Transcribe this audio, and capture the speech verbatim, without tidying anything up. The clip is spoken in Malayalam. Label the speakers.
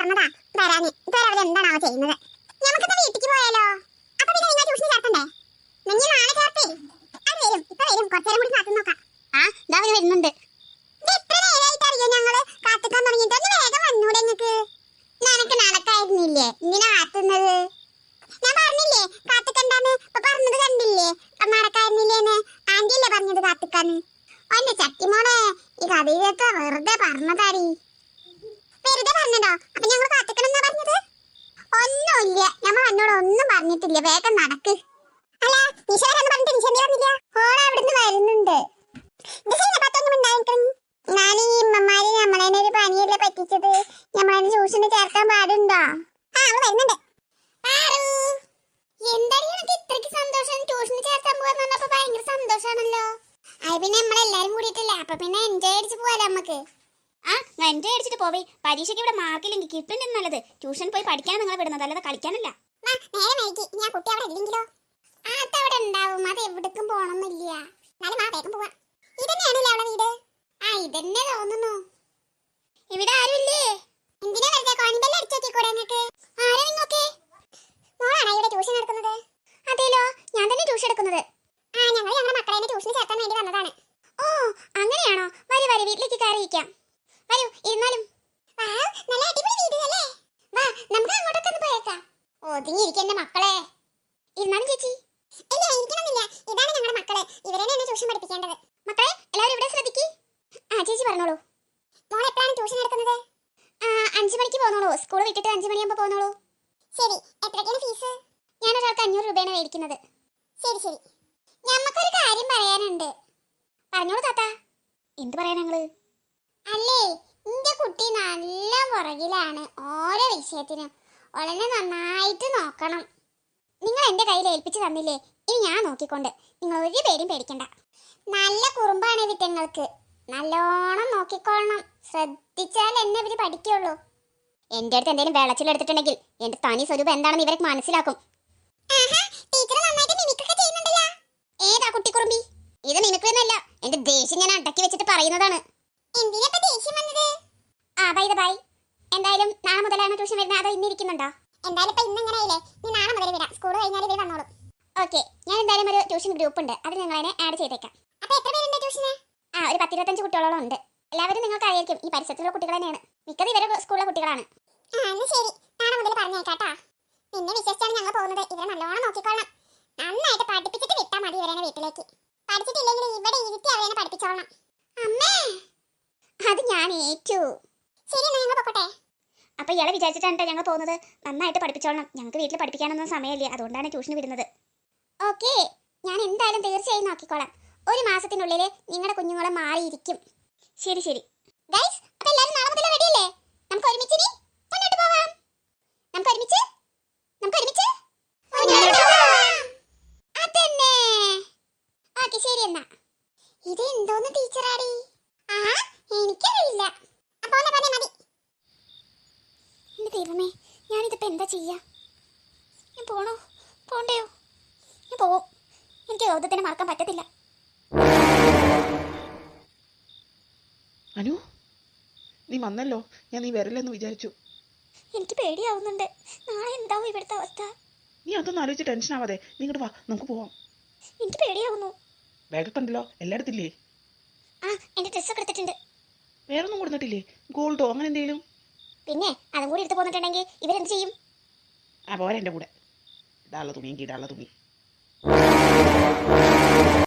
Speaker 1: പറഞ്ഞതാ വരാന്. ഇതുവരെ അവർ എന്താണാവോ ചെയ്യുന്നത്. നമുക്കിന്ന് വീട്ടിക്ക് പോയാലോ? അപ്പൊ പിന്നെ നിങ്ങൾ ട്യൂഷൻ ചേർത്തണ്ടേ? നിങ്ങൾ നാളെ ചേർത്തേ. അത് വരും, ഇപ്പൊ വരും. കുറച്ചേരം കൂടി കാത്തു നോക്കാം. ആ ഇതാ അവര് വരുന്നുണ്ട്. എത്ര നേരമായിട്ട് അറിയോ ഞങ്ങള് കാത്തുക്കാൻ തുടങ്ങിയിട്ട്? ഒന്ന് വേഗം വന്നൂടെ നിങ്ങക്ക്? നിനക്ക് നടക്കായിരുന്നില്ലേ ഇങ്ങനെ കാത്തുന്നത്? ഞാൻ പറഞ്ഞില്ലേ കാത്തുക്കണ്ടാന്ന്. ഇപ്പൊ പറഞ്ഞത് കണ്ടില്ലേ നടക്കായിരുന്നില്ലേന്ന്? ആന്റിയല്ലേ പറഞ്ഞത് കാത്തുക്കാന്ന്. ഓന്റെ ചട്ടിമോളെ ഈ കഥയിലൊക്കെ വെറുതെ പറഞ്ഞതാടി. വെറുതെ പറഞ്ഞതോ? അപ്പൊ ഞങ്ങൾ കാത്തുക്കണെന്നാ പറഞ്ഞത്? ഒന്നുമില്ല, ഞമ്മ എന്നോട് ഒന്നും പറഞ്ഞിട്ടില്ല. വേഗം നടക്ക്. അല്ല നിശാരെന്ന് പറഞ്ഞിട്ട് നിശാന്തി പറഞ്ഞില്ല? ഓളെ അവിടുന്ന് വരുന്നുണ്ട്. ഞാൻ ഈ ഇമ്മമാര് നമ്മളതിനെ ഒരു പനിയല്ലേ പറ്റിച്ചത്. നമ്മളതിന് ട്യൂഷന് ചേർക്കാൻ പാടുണ്ടോ? ആ അവള് വരുന്നുണ്ട്. എന്തായാലും എനിക്ക് ഇത്രയ്ക്ക് സന്തോഷം. ട്യൂഷന് ചേർക്കാൻ പോകാന്ന് പറഞ്ഞപ്പോ ഭയങ്കര സന്തോഷാണല്ലോ. അത് പിന്നെ നമ്മളെല്ലാരും കൂടിയിട്ടില്ലേ, അപ്പൊ പിന്നെ എൻജോയ് അടിച്ച് പോവാലോ നമുക്ക്. ആ എൻജോയ് അടിച്ചിട്ട് പോവേ. പരീക്ഷയ്ക്ക് ഇവിടെ മാർക്കില്ലെങ്കിൽ കിട്ടുന്നത് നല്ലത്. ട്യൂഷൻ പോയി പഠിക്കാൻ നിങ്ങളെ വിടുന്നത്, അല്ലാതെ കളിക്കാനല്ല. നേരെ വൈകി ഞാൻ കുട്ടി അവിടെ ഇല്ലെങ്കിലോ? അതവിടെ ഉണ്ടാവും. അത് എവിടേക്കും പോണമെന്നില്ല. എന്നാലും ആ വേഗം പോവാ. ഇതന്നെയാണല്ലേ അവളെ വീട്? ആ ഇതന്നെ തോന്നുന്നു. ഇവിടെ ആരുമില്ലേ? എന്തിനാ വെറുതെ കോണിബെല്ല് അടിച്ചേക്കൂടെ നിങ്ങൾക്ക്? ആരാ നിങ്ങൾക്ക്? മോളാണോ ഇവിടെ ട്യൂഷൻ എടുക്കുന്നത്? അതേലോ, ഞാൻ തന്നെ ട്യൂഷൻ എടുക്കുന്നത്. ആ ഞങ്ങൾ ഞങ്ങളുടെ മക്കളെ ട്യൂഷന് ചേർക്കാൻ വേണ്ടി വന്നതാണ്. ഓ അങ്ങനെയാണോ? വരൂ വരൂ, വീട്ടിലേക്ക് കയറിയിരിക്കാം. വരൂ ഇരുന്നാലും. നല്ല അടിപൊളി വീട് അല്ലേ? വാ നമുക്ക് അങ്ങോട്ടൊക്കെ ഒന്ന് പോയേക്കാം. ഒതുങ്ങിയിരിക്കന്നെ മക്കളെ. ഇരുന്നാലും ചേച്ചി. ഇല്ല ഇരിക്കണമെന്നില്ല. ഇതാണ് ഞങ്ങളുടെ മക്കള്. ഇവരെന്നെ എന്നെ ട്യൂഷൻ പഠിപ്പിക്കേണ്ടത്. മക്കളെ എല്ലാവരും ഇവിടെ ശ്രദ്ധിക്ക്. ആ ചേച്ചി പറഞ്ഞോളൂ. മോൾ എപ്പോഴാണ് ട്യൂഷൻ എടുക്കുന്നത്? അഞ്ചു മണിക്ക് പോന്നോളൂ. സ്കൂൾ വിട്ടിട്ട് അഞ്ചു മണിയാകുമ്പോൾ പോന്നോളൂ. ശരി. എത്രയ്ക്കാണ് ഫീസ്? ഞാൻ ഒരാൾക്ക് അഞ്ഞൂറ് രൂപയാണ് മേടിക്കുന്നത്. ശരി ശരി. ഞമ്മക്കൊരു കാര്യം പറയാനുണ്ട്. പറഞ്ഞോളൂ താത്ത. എന്ത് പറയാൻ ഞങ്ങള്? അല്ലേ എന്റെ കുട്ടി നല്ല പുറകിലാണ് ഓരോ വിഷയത്തിനും. വളരെ നന്നായിട്ട് നോക്കണം. നിങ്ങൾ എന്റെ കയ്യിൽ ഏൽപ്പിച്ചു തന്നില്ലേ, ഇനി ഞാൻ നോക്കിക്കൊണ്ട്. നിങ്ങൾ ഒരു പേരും പേടിക്കണ്ട. നല്ല കുറുമ്പാണ് വിറ്റങ്ങൾക്ക്. നല്ലോണം നോക്കിക്കൊള്ളണം. ശ്രദ്ധിച്ചാൽ എന്നെ ഇവര് പഠിക്കുള്ളൂ. എന്റെ അടുത്ത് എന്തെങ്കിലും വെള്ളച്ചിലെടുത്തിട്ടുണ്ടെങ്കിൽ എന്റെ തനി സ്വരൂപം എന്താണെന്ന് ഇവർക്ക് മനസ്സിലാക്കും. ഏതാ കുട്ടിക്കുറുമ്പി? ഇത് മിമിക്രിയൊന്നുമല്ല, എന്റെ ദേഷ്യം ഞാൻ അടക്കി വെച്ചിട്ട് പറയുന്നതാണ്. ആ ബൈ ദ ബൈ. എന്തായാലും നാളെ മുതലാണ് ട്യൂഷൻ വരുന്നത്, അതോ ഇന്നിരിക്കുന്നുണ്ടോ? എന്തായാലും ഇപ്പൊ ഇന്നിങ്ങനെയല്ലേ, നീ നാളെ മുതൽ വരാം. സ്കൂൾ കഴിഞ്ഞാൽ ഇവർ വന്നോളും. ഓക്കെ, ഞാൻ എന്തായാലും ഒരു ട്യൂഷൻ ഗ്രൂപ്പ് ഉണ്ട്, അതിൽ നിങ്ങൾ അതിനെ ആഡ് ചെയ്തേക്കാം. അപ്പൊ എത്ര പേരുണ്ട് ട്യൂഷന്? ആ ഒരു പത്തിരുപത്തഞ്ച് കുട്ടികളോളം ഉണ്ട്. എല്ലാവരും നിങ്ങൾക്ക് അറിയായിരിക്കും, ഈ പരിസരത്തുള്ള കുട്ടികൾ തന്നെയാണ്. മിക്കത് ഇവരെ സ്കൂളിലെ കുട്ടികളാണ്. ശരി, നാളെ മുതൽ പറഞ്ഞേക്കാട്ടാ. നിന്നെ വിശ്വസിച്ചാണ് ഞങ്ങൾ പോകുന്നത്. ഇവരെ നല്ലോണം നോക്കിക്കൊള്ളണം. നന്നായിട്ട് പഠിപ്പിച്ചിട്ട് വിട്ടാൽ മതി ഇവരെ വീട്ടിലേക്ക്. പഠിച്ചിട്ടില്ലെങ്കിൽ ഇവിടെ ഇരുത്തി അവരെ പഠിപ്പിച്ചോളണം. അമ്മേ അത് ഞാൻ ഏറ്റു. ശരി എന്നാ ഞങ്ങൾ പൊക്കോട്ടെ. അപ്പൊ ഇയാളെ വിചാരിച്ചിട്ടാണ് ഞങ്ങൾ പോകുന്നത്. നന്നായിട്ട് പഠിപ്പിച്ചോളണം. ഞങ്ങൾക്ക് വീട്ടിൽ പഠിപ്പിക്കാനൊന്നും സമയമില്ല, അതുകൊണ്ടാണ് ട്യൂഷന് വിടുന്നത്. ഓക്കെ, ഞാൻ എന്തായാലും തീർച്ചയായും നോക്കിക്കോളാം. ഒരു മാസത്തിനുള്ളിൽ നിങ്ങളുടെ കുഞ്ഞുങ്ങളെ മാറിയിരിക്കും. ശരി ശരി ഗൈസ്, അപ്പൊ എല്ലാവരും നാളെ മുതൽ റെഡിയല്ലേ? നമുക്ക് ഒരുമിച്ച് ഇനി മുന്നോട്ട് പോവാം. നമുക്ക് ഒരുമിച്ച് നമുക്ക് ഒരുമിച്ച് അതന്നെ. ഓക്കെ ശരി എന്നാ. ഇത് എന്തോന്ന് ടീച്ചറാടി? ആ എനിക്കറിയില്ല. അപ്പൊ മതി. എന്റെ ദൈവമേ, ഞാനിതിപ്പോ എന്താ ചെയ്യാ? ഞാൻ പോണോ പോണ്ടയോ? ഞാൻ പോവും. എനിക്ക് യോധത്തിനെ മറക്കാൻ പറ്റത്തില്ല.
Speaker 2: അനു, നീ വന്നല്ലോ. ഞാൻ നീ വരില്ലെന്ന് വിചാരിച്ചു.
Speaker 1: എനിക്ക് പേടിയാവുന്നുണ്ട്. നാളെ എന്താവും ഇവിടുത്തെ അവസ്ഥ?
Speaker 2: നീ അതൊന്നും ആലോചിച്ച് ടെൻഷൻ ആവാതെ നീ ഇങ്ങോട്ട് വാ, നമുക്ക് പോവാം.
Speaker 1: എനിക്ക് പേടിയാവുന്നു.
Speaker 2: ബാഗൊക്കെ ഉണ്ടല്ലോ, എല്ലായിടത്തില്ലേ?
Speaker 1: ആ എന്റെ ഡ്രസ്സൊക്കെ എടുത്തിട്ടുണ്ട്.
Speaker 2: വേറൊന്നും കൊടുത്തിട്ടില്ലേ? ഗോൾഡോ അങ്ങനെ എന്തെങ്കിലും?
Speaker 1: പിന്നെ അതും കൂടി എടുത്ത് പോന്നിട്ടുണ്ടെങ്കിൽ ഇവരെന്ത് ചെയ്യും?
Speaker 2: ആ പോരാ എൻ്റെ കൂടെ. ഇടാനുള്ള തുണി, എനിക്ക് ഇടാനുള്ള തുണി.